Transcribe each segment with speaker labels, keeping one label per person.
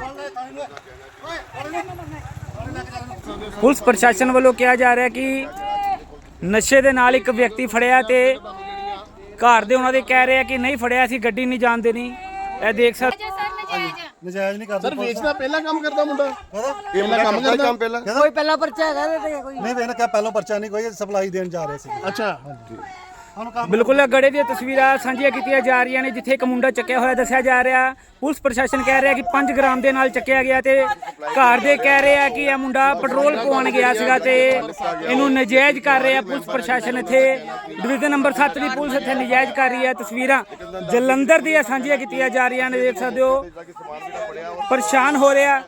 Speaker 1: Police ਪ੍ਰਸ਼ਾਸਨ ਵੱਲੋਂ ਕਿਹਾ ਜਾ ਰਿਹਾ ਕਿ ਨਸ਼ੇ ਦੇ ਨਾਲ ਇੱਕ ਵਿਅਕਤੀ ਫੜਿਆ ਤੇ ਘਰ ਦੇ ਉਹਨਾਂ ਦੇ ਕਹਿ ਰਹੇ ਆ ਕਿ ਨਹੀਂ ਫੜਿਆ ਸੀ, ਗੱਡੀ ਨਹੀਂ ਜਾਣ ਦੇਣੀ। ਇਹ ਦੇਖ ਸਕਦੇ
Speaker 2: ਨਜਾਇਜ਼ ਨਹੀਂ ਕਰਦਾ
Speaker 3: ਸਰ। ਵੇਚਦਾ ਪਹਿਲਾਂ ਕੰਮ ਕਰਦਾ ਮੁੰਡਾ,
Speaker 2: ਇਹ
Speaker 3: ਪਹਿਲਾਂ ਕੰਮ ਕਰਦਾ
Speaker 2: ਕੰਮ ਪਹਿਲਾਂ
Speaker 4: ਕੋਈ ਪਹਿਲਾਂ ਪਰਚਾ ਹੈਗਾ ਤੇ ਕੋਈ
Speaker 2: ਨਹੀਂ ਵੇਖਣਾ ਕਿ ਪਹਿਲਾਂ ਪਰਚਾ ਨਹੀਂ, ਕੋਈ ਸਪਲਾਈ ਦੇਣ ਜਾ ਰਹੇ ਸੀ।
Speaker 3: ਅੱਛਾ,
Speaker 1: ਬਿਲਕੁਲ ਗੜੇ ਦੀਆਂ ਤਸਵੀਰਾਂ ਸਾਂਝੀਆਂ ਕੀਤੀਆਂ ਜਾ ਰਹੀਆਂ ਨੇ ਜਿੱਥੇ ਇੱਕ ਮੁੰਡਾ ਚੱਕਿਆ ਹੋਇਆ ਦੱਸਿਆ ਜਾ ਰਿਹਾ। ਪੁਲਿਸ ਪ੍ਰਸ਼ਾਸਨ ਕਹਿ ਰਿਹਾ ਕਿ 5 ਗ੍ਰਾਮ ਦੇ ਨਾਲ ਚੱਕਿਆ ਗਿਆ ਤੇ ਘਰ ਦੇ ਕਹਿ ਰਹੇ ਆ ਕਿ ਇਹ ਮੁੰਡਾ ਪੈਟਰੋਲ ਪਵਾਉਣ ਗਿਆ ਸੀਗਾ ਤੇ ਇਹਨੂੰ ਨਜਾਇਜ਼ ਕਰ ਰਿਹਾ ਪੁਲਿਸ ਪ੍ਰਸ਼ਾਸਨ। ਇੱਥੇ ਡਿਵੀਜ਼ਨ ਨੰਬਰ 7 ਦੀ ਪੁਲਿਸ ਇੱਥੇ ਨਜਾਇਜ਼ ਕਰ ਰਹੀ ਹੈ। ਤਸਵੀਰਾਂ ਜਲੰਧਰ ਦੀਆਂ ਸਾਂਝੀਆਂ ਕੀਤੀਆਂ ਜਾ ਰਹੀਆਂ ਨੇ, ਦੇਖ ਸਕਦੇ ਹੋ। ਪਰੇਸ਼ਾਨ ਹੋ ਰਿਹਾ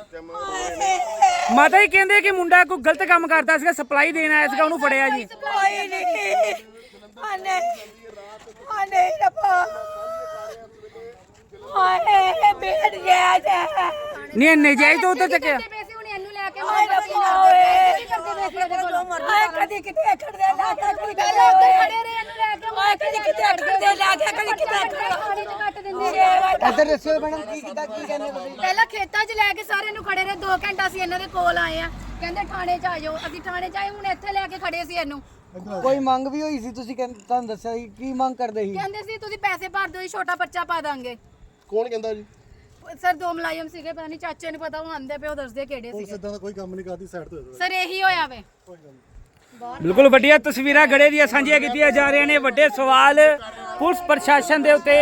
Speaker 1: ਮਾਤਾ ਜੀ, ਕਹਿੰਦੇ ਕਿ ਮੁੰਡਾ ਕੋਈ ਗਲਤ ਕੰਮ ਕਰਦਾ ਸੀਗਾ, ਸਪਲਾਈ ਦੇਣ ਆਇਆ ਸੀਗਾ, ਉਹਨੂੰ ਫੜਿਆ ਜੀ। ਨਹੀਂ ਨਜਾਇਜ਼ ਤੋਂ ਉੱਧਰ ਚੱਕਿਆ।
Speaker 5: ਪਹਿਲਾਂ ਖੇਤਾਂ 'ਚ ਲੈ ਕੇ ਸਾਰੇ ਨੂੰ ਖੜੇ ਰਹੇ 2 ਘੰਟਾ ਅਸੀਂ ਇਹਨਾਂ ਦੇ ਕੋਲ ਆਏ ਆ, ਕਹਿੰਦੇ ਥਾਣੇ 'ਚ ਆ ਜਾਓ। ਅਸੀਂ ਥਾਣੇ 'ਚ ਆਏ, ਹੁਣ ਇੱਥੇ ਲੈ ਕੇ ਖੜੇ ਸੀ ਇਹਨੂੰ।
Speaker 4: ਕੋਈ ਮੰਗ ਵੀ ਹੋਈ ਸੀ, ਤੁਸੀਂ ਤੁਹਾਨੂੰ ਦੱਸਿਆ ਸੀ ਕੀ ਮੰਗ ਕਰਦੇ ਸੀ?
Speaker 5: ਕਹਿੰਦੇ ਸੀ ਤੁਸੀਂ ਪੈਸੇ ਭਰ ਦਿਓ, ਛੋਟਾ ਬੱਚਾ ਪਾ ਦਾਂਗੇ।
Speaker 3: ਕੌਣ ਕਹਿੰਦਾ ਜੀ?
Speaker 5: ਸਰ 2 ਮੁਲਾਜ਼ਮ ਸੀਗੇ, ਪਤਾ ਨਹੀਂ ਚਾਚੇ ਨੂੰ ਪਤਾ, ਉਹ ਆਂਦੇ ਪਏ, ਉਹ ਦੱਸਦੇ ਕਿਹੜੇ ਸੀਗੇ।
Speaker 2: ਸਿੱਧਾ ਦਾ ਕੋਈ ਕੰਮ ਨਹੀਂ ਕਰਦੀ, ਸਾਈਡ ਤੋਂ
Speaker 5: ਸਰ ਇਹੀ ਹੋਇਆ ਵੇ।
Speaker 1: ਬਿਲਕੁਲ ਵੱਡੀਆਂ ਤਸਵੀਰਾਂ ਗੜੇ ਦੀਆਂ ਸਾਂਝੀਆਂ ਕੀਤੀਆਂ ਜਾ ਰਹੀਆਂ ਨੇ। ਵੱਡੇ ਸਵਾਲ ਪੁਲਿਸ ਪ੍ਰਸ਼ਾਸਨ ਦੇ ਉੱਤੇ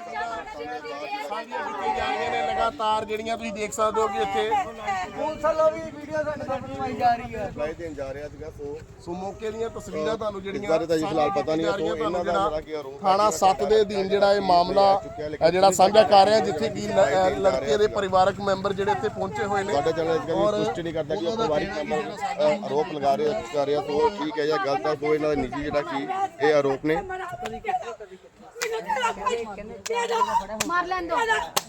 Speaker 3: ਲਗਾਤਾਰ ਜਿਹੜੀਆਂ ਤੁਸੀਂ ਦੇਖ ਸਕਦੇ ਹੋ ਕਿ ਇੱਥੇ
Speaker 4: ਪੁਲਿਸ ਵੱਲੋਂ ਵੀ ਵੀਡੀਓ ਸਾਡੇ ਸਾਹਮਣੇ ਆਈ ਜਾ ਰਹੀ ਹੈ।
Speaker 2: ਸਪਲਾਈ ਦੇਣ ਜਾ ਰਿਹਾ ਸੀਗਾ।
Speaker 3: ਸੋ ਮੌਕੇ ਦੀਆਂ ਤਸਵੀਰਾਂ ਤੁਹਾਨੂੰ ਜਿਹੜੀਆਂ
Speaker 2: ਬਾਰੇ ਤਾਂ ਜੀ ਫਿਲਹਾਲ ਪਤਾ ਨਹੀਂ ਹੈ। ਤੋਂ ਇਹਨਾਂ ਦਾ ਜਿਹੜਾ ਕੀ ਆਰੋਪ
Speaker 3: ਥਾਣਾ 7 ਦੇ ਅਧੀਨ ਜਿਹੜਾ ਇਹ ਮਾਮਲਾ ਜਿਹੜਾ ਸਾਂਝਾ ਕਰ ਰਿਹਾ, ਜਿੱਥੇ ਕਿ ਲੜਕੇ ਦੇ ਪਰਿਵਾਰਕ ਮੈਂਬਰ ਜਿਹੜੇ ਇੱਥੇ ਪਹੁੰਚੇ ਹੋਏ ਨੇ।
Speaker 2: ਸਾਡਾ ਚੈਨਲ ਇਸ ਗੱਲ ਦੀ ਪੁਸ਼ਟੀ ਨਹੀਂ ਕਰਦਾ ਕਿ ਉਹ ਪਰਿਵਾਰਿਕ ਮੈਂਬਰ ਆਰੋਪ ਲਗਾ ਰਹੇ ਕਰ ਰਿਹਾ, ਤੋਂ ਠੀਕ ਹੈ ਜਾਂ ਗਲਤ ਹੈ, ਤੋਂ ਇਹਨਾਂ ਦਾ ਨਿੱਜੀ ਜਿਹੜਾ ਕੀ ਇਹ ਆਰੋਪ ਨੇ।
Speaker 5: ਮਾਰ ਲੈਣ ਦੋ।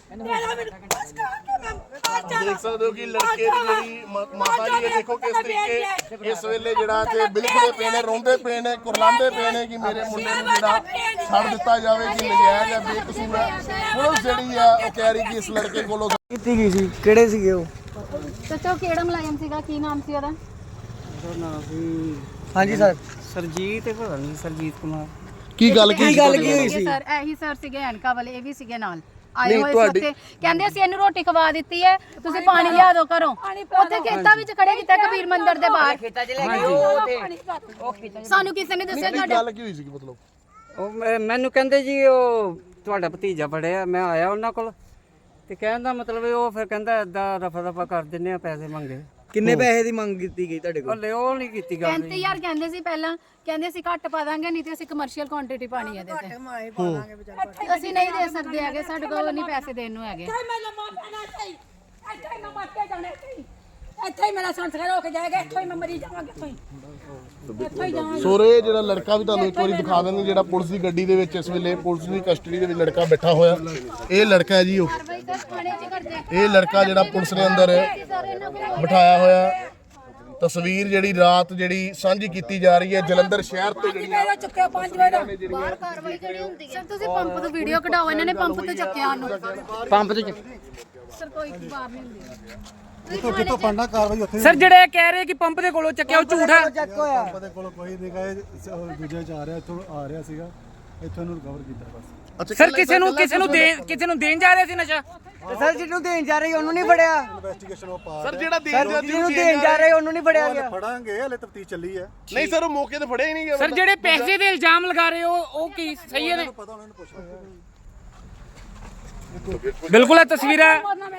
Speaker 3: ਦੇਖ ਸਕਦੇ ਹੋ ਕਿ ਲੜਕੇ ਦੀ ਜਿਹੜੀ ਮਾਤਾ ਜੀ ਇਹ ਦੇਖੋ ਕਿਸ ਤਰੀਕੇ ਇਸ ਵੇਲੇ ਜਿਹੜਾ ਕਿ ਬਿਲਕੁਲ ਪਏ ਨੇ, ਰੋਂਦੇ ਪਏ ਨੇ, ਕੁਰਲਾਉਂਦੇ ਪਏ ਨੇ ਕਿ ਮੇਰੇ ਮੁੰਡੇ ਨੂੰ ਜਿਹੜਾ ਛੱਡ ਦਿੱਤਾ ਜਾਵੇ, ਕਿ ਨਜਾਇਜ਼ ਜਾਂ ਬੇਕਸੂਰ ਹੈ। ਪੁਲਿਸ ਜਿਹੜੀ ਆ ਉਹ ਕਹਿ ਰਹੀ ਕਿ ਇਸ ਲੜਕੇ ਕੋਲੋਂ
Speaker 4: ਕੀਤੀ ਗਈ ਸੀ, ਕਿਹੜੇ ਸੀਗੇ ਉਹ?
Speaker 5: ਚਾਚਾ ਕਿਹੜਾ ਮੁਲਾਜ਼ਮ ਸੀਗਾ, ਕੀ ਨਾਮ ਸੀ ਉਹਦਾ?
Speaker 4: ਹਾਂਜੀ ਸਰ।
Speaker 1: ਸਰਜੀਤ ਪਤਾ ਨਹੀਂ, ਸਰਜੀਤ ਕੁਮਾਰ।
Speaker 3: ਕੀ ਗੱਲ
Speaker 4: ਕੀ ਹੋਈ ਸੀ?
Speaker 5: ਸਰ ਇਹੀ ਸਰ ਸੀਗੇ, ਐਨਕਾ ਵਾਲੇ, ਇਹ ਵੀ ਸੀਗੇ ਨਾਲ ਆਏ ਹੋਏ ਸੀ ਉੱਥੇ। ਕਹਿੰਦੇ ਅਸੀਂ ਇਹਨੂੰ ਰੋਟੀ ਖਵਾ ਦਿੱਤੀ ਹੈ, ਤੁਸੀਂ ਪਾਣੀ ਲਿਆ ਦਿਓ ਘਰੋਂ। ਉੱਥੇ ਖੇਤਾਂ ਵਿੱਚ ਖੜੇ ਕੀਤਾ ਕਬੀਰ ਮੰਦਿਰ ਦੇ ਬਾਹਰ। ਸਾਨੂੰ ਕਿਸੇ ਨੇ ਦੱਸਿਆ ਤੁਹਾਡੇ
Speaker 3: ਗੱਲ ਕੀ ਹੋਈ ਸੀ? ਮਤਲਬ
Speaker 6: ਉਹ ਮੈਨੂੰ ਕਹਿੰਦੇ ਜੀ ਉਹ ਤੁਹਾਡਾ ਭਤੀਜਾ ਫੜਿਆ। ਮੈਂ ਆਇਆ ਉਹਨਾਂ ਕੋਲ ਤੇ ਕਹਿਣ ਦਾ ਮਤਲਬ ਉਹ ਫਿਰ ਕਹਿੰਦਾ ਏਦਾਂ ਰਫਾ ਦਫਾ ਕਰ ਦਿੰਨੇ ਆ, ਪੈਸੇ ਮੰਗੇ।
Speaker 4: ਕਿੰਨੇ ਪੈਸੇ ਦੀ ਮੰਗ ਕੀਤੀ ਗਈ ਤੁਹਾਡੇ ਕੋਲ?
Speaker 6: ਹਲੇ ਉਹ ਨਹੀਂ ਕੀਤੀ ਗੱਲ।
Speaker 5: 35000 ਕਹਿੰਦੇ ਸੀ ਪਹਿਲਾਂ, ਕਹਿੰਦੇ ਅਸੀਂ ਘੱਟ ਪਾ ਦਾਂਗੇ, ਨਹੀਂ ਤੇ ਅਸੀਂ ਕਮਰਸ਼ੀਅਲ ਕੁਆਂਟੀਟੀ ਪਾਣੀ ਹੈ ਇਹਦੇ ਤੇ। ਅਸੀਂ ਨਹੀਂ ਦੇ ਸਕਦੇ ਹੈਗੇ, ਸਾਡੇ ਕੋਲ ਨਹੀਂ ਪੈਸੇ ਦੇਣ ਨੂੰ ਹੈਗੇ।
Speaker 7: ਇੱਥੇ ਹੀ ਮੇਰਾ ਸੰਸਕਾਰ ਹੋ ਕੇ ਜਾਏਗਾ, ਇੱਥੋਂ ਹੀ ਮੈਂ ਮਰੀ ਜਾਵਾਂਗੀ, ਇੱਥੋਂ ਹੀ ਜਾਵਾਂਗੀ।
Speaker 3: ਸੋਰੇ ਜਿਹੜਾ ਲੜਕਾ ਵੀ ਤੁਹਾਨੂੰ ਇੱਕ ਵਾਰੀ ਦਿਖਾ ਦਿੰਦੇ, ਜਿਹੜਾ ਪੁਲਿਸ ਦੀ ਗੱਡੀ ਦੇ ਵਿੱਚ ਇਸ ਵੇਲੇ ਪੁਲਿਸ ਦੀ ਕਸਟਡੀ ਦੇ ਵਿੱਚ ਲੜਕਾ ਬੈਠਾ ਹੋਇਆ। ਇਹ ਲੜਕਾ ਹੈ ਜੀ, ਉਹ ਇਹ ਲੜਕਾ ਜਿਹੜਾ ਪੁਲਿਸ ਨੇ ਅੰਦਰ ਬਿਠਾਇਆ ਹੋਇਆ। ਤਸਵੀਰ ਜਿਹੜੀ ਰਾਤ ਜਿਹੜੀ ਸਾਂਝੀ ਕੀਤੀ ਜਾ ਰਹੀ ਹੈ ਜਲੰਧਰ ਸ਼ਹਿਰ ਤੋਂ, ਜਿਹੜੀਆਂ
Speaker 7: ਚੁੱਕਿਆ 5 ਵਜੇ ਦਾ
Speaker 5: ਬਾਹਰ ਕਾਰਵਾਈ ਜਿਹੜੀ ਹੁੰਦੀ ਹੈ। ਸਰ ਤੁਸੀਂ ਪੰਪ ਤੋਂ ਵੀਡੀਓ ਕਢਾਓ, ਇਹਨਾਂ ਨੇ ਪੰਪ ਤੋਂ ਚੱਕਿਆ ਉਹਨੂੰ।
Speaker 6: ਪੰਪ ਤੇ
Speaker 5: ਸਰ ਕੋਈ ਬਾਹਰ ਨਹੀਂ ਹੁੰਦੀ।
Speaker 2: ਕਿਤੋਂ ਪੜਨਾ ਕਾਰਵਾਈ ਉੱਥੇ
Speaker 1: ਸਰ ਜਿਹੜੇ ਕਹਿ ਰਹੇ ਕਿ ਪੰਪ ਦੇ ਕੋਲੋਂ ਚੱਕਿਆ, ਉਹ ਝੂਠ ਹੈ।
Speaker 4: ਚੈੱਕ ਹੋਇਆ।
Speaker 2: ਉਹਦੇ ਕੋਲ ਕੋਈ ਨਹੀਂ ਗਏ, ਦੂਜੇ ਚ ਆ ਰਿਹਾ, ਇੱਥੋਂ ਆ ਰਿਹਾ ਸੀਗਾ, ਇੱਥੋਂ ਇਹਨੂੰ ਰਿਕਵਰ ਕੀਤਾ ਬਸ।
Speaker 1: ਸਰ ਕਿਸੇ ਨੂੰ ਦੇਣ ਜਾ ਰਿਹਾ ਸੀ ਨਸ਼ਾ।
Speaker 4: ਤੇ ਸਰ ਜਿਹਨੂੰ ਦੇਣ ਜਾ ਰਹੀ ਉਹਨੂੰ ਨਹੀਂ ਫੜਿਆ।
Speaker 2: ਇਨਵੈਸਟੀਗੇਸ਼ਨ ਉਹ ਪਾ
Speaker 3: ਸਰ ਜਿਹੜਾ
Speaker 4: ਜਿਹਨੂੰ ਦੇਣ ਜਾ ਰਹੇ ਉਹਨੂੰ ਨਹੀਂ ਫੜਿਆ ਗਿਆ।
Speaker 2: ਫੜਾਂਗੇ, ਹਲੇ ਤਫਤੀਸ਼ ਚੱਲੀ ਹੈ।
Speaker 3: ਨਹੀਂ ਸਰ, ਉਹ ਮੌਕੇ ਤੇ ਫੜਿਆ ਹੀ ਨਹੀਂ ਗਿਆ।
Speaker 1: ਸਰ ਜਿਹੜੇ ਪੈਸੇ ਦੇ ਇਲਜ਼ਾਮ ਲਗਾ ਰਹੇ ਹੋ ਉਹ ਕੀ ਸਹੀ ਨੇ?
Speaker 2: ਪਤਾ ਉਹਨਾਂ ਨੂੰ ਪੁੱਛੋ।
Speaker 1: ਬਿਲਕੁਲ ਇਹ ਤਸਵੀਰਾਂ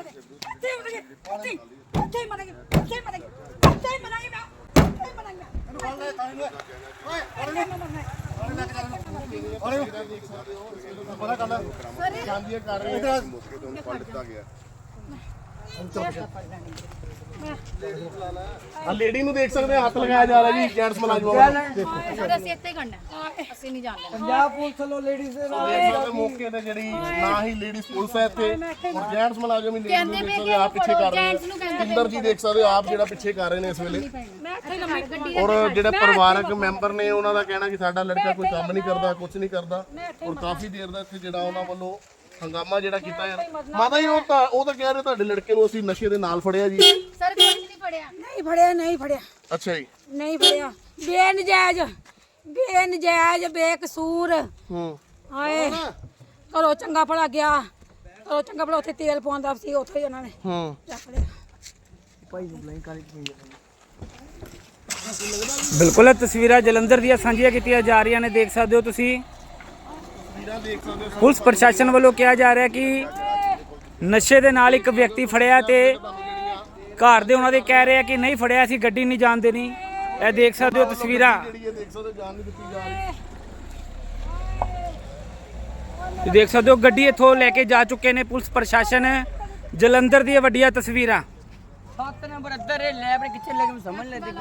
Speaker 3: ਸਾਂਝੀਆਂ ਕਰ ਰਹੇ
Speaker 2: ਇਧਰ
Speaker 3: ਮੌਕੇ ਤੋਂ ਫੜ ਦਿੱਤਾ ਗਿਆ। ਆ ਲੇਡੀ ਨੂੰ ਦੇਖ ਸਕਦੇ ਆ, ਹੱਥ ਲਗਾਇਆ ਜਾ ਰਿਹਾ ਜੀ ਜੈਂਟਸ ਮੁਲਾਜ਼ਮਾਂ ਵੱਲੋਂ।
Speaker 5: ਸਰ ਅਸੀਂ ਇੱਥੇ ਕਰਨਾ, ਅਸੀਂ ਨਹੀਂ ਜਾਣਦੇ।
Speaker 4: ਪੰਜਾਬ ਪੁਲਿਸ ਵੱਲੋਂ ਲੇਡੀਜ਼ ਦੇ ਨਾਲ
Speaker 3: ਦੇਖ ਸਕਦੇ ਮੌਕੇ ਤੇ ਜਿਹੜੀ ਨਾ ਹੀ ਲੇਡੀਜ਼ ਪੁਲਿਸ ਹੈ ਇੱਥੇ, ਔਰ ਜੈਂਟਸ ਮੁਲਾਜ਼ਮ ਹੀ ਲੇਡੀਜ਼ ਨੂੰ ਦੇਖ ਸਕਦੇ ਆਪ ਪਿੱਛੇ ਕਰ ਰਹੇ ਨੇ। ਅੰਦਰ ਜੀ ਦੇਖ ਸਕਦੇ ਹੋ ਆਪ ਜਿਹੜਾ ਪਿੱਛੇ ਕਰ ਰਹੇ ਨੇ ਇਸ ਵੇਲੇ। ਔਰ ਜਿਹੜੇ ਪਰਿਵਾਰਕ ਮੈਂਬਰ ਨੇ ਉਹਨਾਂ ਦਾ ਕਹਿਣਾ ਕਿ ਸਾਡਾ ਲੜਕਾ ਕੋਈ ਕੰਮ ਨਹੀਂ ਕਰਦਾ, ਕੁਝ ਨਹੀਂ ਕਰਦਾ, ਔਰ ਕਾਫੀ ਦੇਰ ਦਾ ਇੱਥੇ ਜਿਹੜਾ ਉਹਨਾਂ ਵੱਲੋਂ ਹੰਗਾਮਾ ਜਿਹੜਾ ਕੀਤਾ ਯਾਰ ਮਾਤਾ ਜੀ ਉਹ ਤਾਂ ਕਹਿ ਰਹੇ ਤੁਹਾਡੇ ਲੜਕੇ ਨੂੰ ਅਸੀਂ ਨਸ਼ੇ ਦੇ ਨਾਲ ਫੜਿਆ ਜੀ।
Speaker 5: ਸਰ ਕੁਝ ਨਹੀਂ ਫੜਿਆ।
Speaker 7: ਨਹੀਂ ਫੜਿਆ
Speaker 3: ਅੱਛਾ ਜੀ।
Speaker 7: ਨਹੀਂ ਫੜਿਆ ਬੇਨਜਾਇਜ਼ ਬੇਕਸੂਰ। ਹਾਏ ਘਰੋਂ ਚੰਗਾ ਭਲਾ ਗਿਆ, ਘਰੋਂ ਚੰਗਾ ਭਲਾ ਉੱਥੇ ਤੇਲ ਪਾਉਂਦਾ ਸੀ, ਉੱਥੇ ਹੀ ਉਹਨਾਂ ਨੇ ਚੱਕ ਲਿਆ।
Speaker 1: ਬਿਲਕੁਲ ਇਹ ਤਸਵੀਰਾਂ ਜਲੰਧਰ ਦੀਆਂ ਸਾਂਝੀਆਂ ਕੀਤੀਆਂ ਜਾ ਰਹੀਆਂ ਨੇ, ਦੇਖ ਸਕਦੇ ਹੋ ਤੁਸੀਂ। ਪੁਲਿਸ ਪ੍ਰਸ਼ਾਸਨ ਵੱਲੋਂ ਕਿਹਾ ਜਾ ਰਿਹਾ ਕਿ ਨਸ਼ੇ ਦੇ ਨਾਲ ਇੱਕ ਵਿਅਕਤੀ ਫੜਿਆ ਤੇ ਘਰ ਦੇ ਉਹਨਾਂ ਦੇ ਕਹਿ ਰਹੇ ਆ ਕਿ ਨਹੀਂ ਫੜਿਆ, ਅਸੀਂ ਗੱਡੀ ਨਹੀਂ ਜਾਣ ਦੇਣੀ। ਇਹ ਦੇਖ ਸਕਦੇ ਹੋ ਤਸਵੀਰਾਂ, ਦੇਖ ਸਕਦੇ ਹੋ ਗੱਡੀ ਇੱਥੋਂ ਲੈ ਕੇ ਜਾ ਚੁੱਕੇ ਨੇ ਪੁਲਿਸ ਪ੍ਰਸ਼ਾਸਨ। ਜਲੰਧਰ ਦੀਆਂ ਵੱਡੀਆਂ ਤਸਵੀਰਾਂ।
Speaker 6: 7 ਨੰਬਰ ਅੰਦਰ ਇਹ ਲੈਬ ਕਿੱਥੇ ਲੈ ਕੇ ਸਮਝ ਲੈਂਦੇ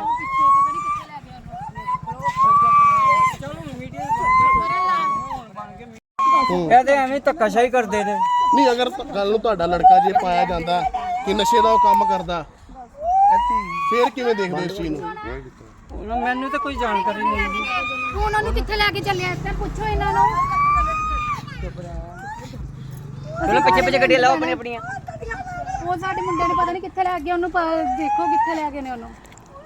Speaker 6: ਇਹ ਤੇ ਐਵੇਂ ਧੱਕਾਸ਼ਾਹੀ ਕਰਦੇ ਨੇ।
Speaker 3: ਨਹੀਂ ਅਗਰ ਗੱਲ ਨੂੰ ਤੁਹਾਡਾ ਲੜਕਾ ਜੇ ਪਾਇਆ ਜਾਂਦਾ ਕਿ ਨਸ਼ੇ ਦਾ ਉਹ ਕੰਮ ਕਰਦਾ ਫਿਰ ਕਿਵੇਂ ਦੇਖਦੇ ਹੋ ਇਸ ਚੀਜ਼ ਨੂੰ?
Speaker 6: ਮੈਨੂੰ ਤਾਂ ਕੋਈ ਜਾਣਕਾਰੀ ਨਹੀਂ ਜੀ।
Speaker 5: ਤੂੰ ਉਹਨਾਂ ਨੂੰ ਕਿੱਥੇ ਲੈ ਕੇ ਚੱਲਿਆ? ਇਸ ਤੇ ਪੁੱਛੋ ਇਹਨਾਂ ਨੂੰ।
Speaker 6: ਚਲੋ ਪਿੱਛੇ ਗੱਡੀਆਂ ਲਾਓ ਆਪਣੀਆਂ।
Speaker 5: ਉਹ ਸਾਡੇ ਮੁੰਡੇ ਨੂੰ ਪਤਾ ਨਹੀਂ ਕਿੱਥੇ ਲੈ ਗਏ, ਉਹਨੂੰ ਦੇਖੋ ਕਿੱਥੇ ਲੈ ਗਏ ਨੇ ਉਹਨੂੰ।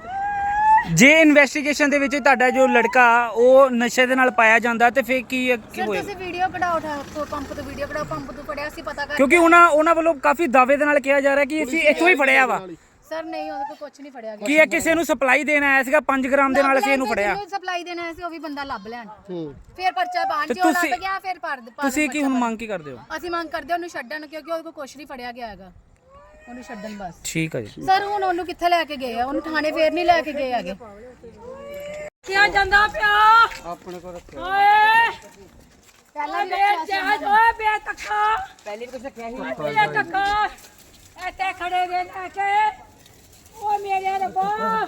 Speaker 1: ਜੇ ਇਨਵੈਸਟੀਗੇਸ਼ਨ ਦੇ ਵਿੱਚ ਤੁਹਾਡਾ ਜੋ ਲੜਕਾ ਉਹ ਨਸ਼ੇ ਦੇ ਨਾਲ ਪਾਇਆ ਜਾਂਦਾ ਤੇ ਫਿਰ ਕੀ
Speaker 5: ਸਰ
Speaker 1: ਹੋਏਗਾ?
Speaker 5: ਤੁਸੀਂ ਵੀਡੀਓ ਕਢਾਓ, ਪੰਪ ਤੋਂ ਵੀਡੀਓ ਕਢਾਓ, ਪੰਪ ਤੋਂ ਫੜਿਆ ਸੀ ਪਤਾ ਕਰ।
Speaker 1: ਕਿਉਂਕਿ ਉਹਨਾਂ ਵੱਲੋਂ ਕਾਫੀ ਦਾਅਵੇ ਦੇ ਨਾਲ ਕਿਹਾ ਜਾ ਰਿਹਾ ਕਿ ਅਸੀਂ ਇੱਥੋਂ ਹੀ ਫੜਿਆ ਵਾ।
Speaker 5: ਸਰ ਨਹੀਂ, ਉਹਦੇ ਕੋਲ ਕੁਝ ਨਹੀਂ ਫੜਿਆ ਗਿਆ।
Speaker 1: ਕੀ ਇਹ ਕਿਸੇ ਨੂੰ ਸਪਲਾਈ ਦੇਣ ਆਇਆ ਸੀਗਾ 5 ਗ੍ਰਾਮ ਦੇ ਨਾਲ ਅਸੀਂ ਇਹਨੂੰ ਫੜਿਆ।
Speaker 5: ਸਪਲਾਈ ਦੇਣਾ ਸੀ, ਉਹ ਵੀ ਬੰਦਾ ਲੱਭ ਲੈਣ। ਫਿਰ ਪਰਚਾ ਬਾਣ
Speaker 1: ਤੇ
Speaker 5: ਜੋ ਲੱਭ
Speaker 1: ਤੁਸੀਂ-
Speaker 5: ਗਿਆ ਫਿਰ
Speaker 1: ਤੁਸੀਂ ਕੀ ਹੁਣ ਮੰਗ ਕੀ ਕਰਦੇ ਹੋ?
Speaker 5: ਅਸੀਂ ਮੰਗ ਕਰਦੇ ਉਹਨੂੰ ਛੱਡਣ, ਕਿਉਂਕਿ ਉਹਦੇ ਕੋਲ ਕੁਝ ਨਹੀਂ ਫੜਿਆ ਗਿਆ ਹੈਗਾ, ਉਹਨੂੰ ਛੱਡਣ ਬਸ।
Speaker 1: ਠੀਕ ਹੈ ਜੀ।
Speaker 5: ਸਰ ਹੁਣ ਉਹਨੂੰ ਕਿੱਥੇ ਲੈ ਕੇ ਗਏ ਆ? ਉਹਨੂੰ ਥਾਣੇ ਫੇਰ ਨਹੀਂ ਲੈ ਕੇ ਗਏ ਹੈਗੇ।
Speaker 7: ਕਿਆ ਜਾਂਦਾ ਪਿਆ
Speaker 6: ਆਪਣੇ ਕੋਲ ਰੱਖਿਆ।
Speaker 7: ਓਏ
Speaker 5: ਪਹਿਲਾਂ
Speaker 7: ਬੇਜਾਜ ਓਏ ਬੇਤੱਕਾ
Speaker 6: ਪਹਿਲੇ ਵੀ ਕੁਝ ਰੱਖਿਆ ਸੀ।
Speaker 7: ਬੇਤੱਕਾ ਇੱਥੇ ਖੜੇ ਦੇ ਲੈ ਕੇ। ਓ ਮੇਰੇ ਰੱਬਾ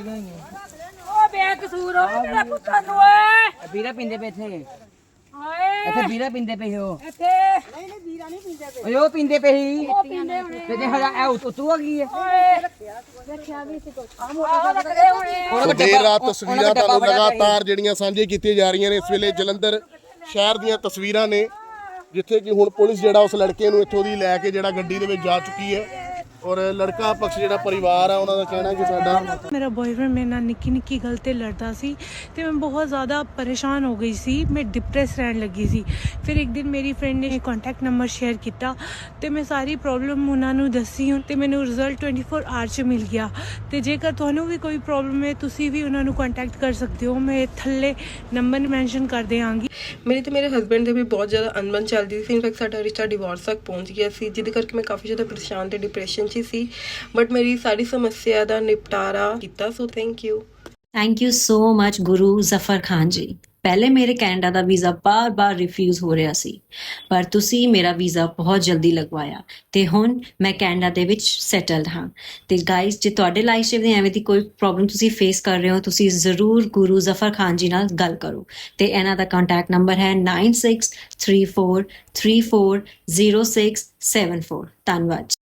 Speaker 7: ਓ ਬੇਕਸੂਰ ਓ ਮੇਰੇ ਪੁੱਤਰ ਨੂੰ ਓਏ
Speaker 6: ਵੀਰਾ ਪਿੰਦੇ ਪਏ ਥੇ।
Speaker 7: ਹਾਏ
Speaker 6: ਇੱਥੇ ਵੀਰਾ ਪਿੰਦੇ ਪਏ ਹੋ।
Speaker 7: ਇੱਥੇ ਨਹੀਂ ਵੀਰਾ ਨਹੀਂ ਪੀਂਦੇ ਪਏ।
Speaker 6: ਓਏ ਉਹ ਪਿੰਦੇ ਪਏ ਸੀ।
Speaker 7: ਉਹ ਪੀਂਦੇ ਹੋਣੇ
Speaker 6: ਤੇ ਜੇ ਹਜਾ ਐ ਉਤੂ ਆ ਗਈ ਹੈ।
Speaker 7: ਓਏ ਰੱਖਿਆ ਵੀ ਸੀ ਕੁਝ ਆ ਰੱਖਦੇ ਹੋਣੇ।
Speaker 3: ਸੋ ਦੇਰ ਰਾਤ ਤਸਵੀਰਾਂ ਤੁਹਾਨੂੰ ਲਗਾਤਾਰ ਜਿਹੜੀਆਂ ਸਾਂਝੀਆਂ ਕੀਤੀਆਂ ਜਾ ਰਹੀਆਂ ਨੇ ਇਸ ਵੇਲੇ ਜਲੰਧਰ ਸ਼ਹਿਰ ਦੀਆਂ ਤਸਵੀਰਾਂ ਨੇ, ਜਿੱਥੇ ਕਿ ਹੁਣ ਪੁਲਿਸ ਜਿਹੜਾ ਉਸ ਲੜਕੇ ਨੂੰ ਇੱਥੋਂ ਦੀ ਲੈ ਕੇ ਜਿਹੜਾ ਗੱਡੀ ਦੇ ਵਿੱਚ ਜਾ ਚੁੱਕੀ ਹੈ ਔਰ ਲੜਕਾ ਪਕਸ਼ ਜਿਹੜਾ ਪਰਿਵਾਰ ਆ ਉਹਨਾਂ ਦਾ ਕਹਿਣਾ ਕਿ ਸਾਡਾ
Speaker 8: ਮੇਰਾ ਬॉयਫ੍ਰੈਂਡ ਮੇਰੇ ਨਾਲ ਨਿੱਕੀ ਗੱਲ ਤੇ ਲੜਦਾ ਸੀ ਤੇ ਮੈਂ ਬਹੁਤ ਜ਼ਿਆਦਾ ਪਰੇਸ਼ਾਨ ਹੋ ਗਈ ਸੀ, ਮੈਂ ਡਿਪਰੈਸ ਰਹਿਣ ਲੱਗੀ ਸੀ। ਫਿਰ ਇੱਕ ਦਿਨ ਮੇਰੀ ਫਰੈਂਡ ਨੇ ਕੰਟੈਕਟ ਨੰਬਰ ਸ਼ੇਅਰ ਕੀਤਾ ਤੇ ਮੈਂ ਸਾਰੀ ਪ੍ਰੋਬਲਮ ਉਹਨਾਂ ਨੂੰ ਦੱਸੀ ਤੇ ਮੈਨੂੰ ਰਿਜ਼ਲਟ 24 ਆਵਰ 'ਚ ਮਿਲ ਗਿਆ। ਤੇ ਜੇਕਰ ਤੁਹਾਨੂੰ ਵੀ ਕੋਈ ਪ੍ਰੋਬਲਮ ਹੈ ਤੁਸੀਂ ਵੀ ਉਹਨਾਂ ਨੂੰ ਕੰਟੈਕਟ ਕਰ ਸਕਦੇ ਹੋ, ਮੈਂ ਥੱਲੇ ਨੰਬਰ ਮੈਂਸ਼ਨ ਕਰ ਦਿਆਂਗੀ।
Speaker 9: ਮੇਰੀ ਤੇ ਮੇਰੇ ਹਸਬੈਂਡ ਦੇ ਵੀ ਬਹੁਤ ਜ਼ਿਆਦਾ ਅਣਬਣ ਚੱਲਦੀ ਸੀ। ਇਨਫੈਕਟ ਸਾਡਾ ਰਿਸ਼ਤਾ ਡਿਵੋਰਸ ਤੱਕ ਪਹੁੰਚ ਗਿਆ ਸੀ, ਜਿਹਦੇ ਕਰਕੇ ਮੈਂ ਕਾਫੀ ਜ਼ਿਆਦਾ ਪਰੇਸ਼ਾਨ ਤੇ ਡਿਪਰੈਸ਼ਨ 'ਚ ਸੀ। ਬਟ ਮੇਰੀ ਸਾਰੀ ਸਮੱਸਿਆ ਦਾ ਨਿਪਟਾਰਾ ਕੀਤਾ। So thank you
Speaker 10: so much Guru Zafar Khan ji. ਪਹਿਲੇ ਮੇਰੇ ਕੈਨੇਡਾ ਦਾ ਵੀਜ਼ਾ ਬਾਰ-ਬਾਰ ਰਿਫਿਊਜ਼ ਹੋ ਰਿਹਾ ਸੀ, ਪਰ ਤੁਸੀਂ ਮੇਰਾ ਵੀਜ਼ਾ ਬਹੁਤ ਜਲਦੀ ਲਗਵਾਇਆ ਤੇ ਹੁਣ ਮੈਂ ਕੈਨੇਡਾ ਦੇ ਵਿੱਚ ਸੈਟਲਡ ਹਾਂ। ਤੇ ਗਾਇਸ, ਜੇ ਤੁਹਾਡੇ ਲਾਈਫ 'ਚ ਐਵੇਂ ਦੀ ਕੋਈ ਪ੍ਰੋਬਲਮ ਤੁਸੀਂ ਫੇਸ ਕਰ ਰਹੇ ਹੋ, ਤੁਸੀਂ ਜ਼ਰੂਰ ਗੁਰੂ ਜ਼ਫਰ ਖਾਨ ਜੀ ਨਾਲ ਗੱਲ ਕਰੋ। ਤੇ ਇਹਨਾਂ ਦਾ ਕੰਟੈਕਟ ਨੰਬਰ ਹੈ 9634340674। ਧੰਨਵਾਦ।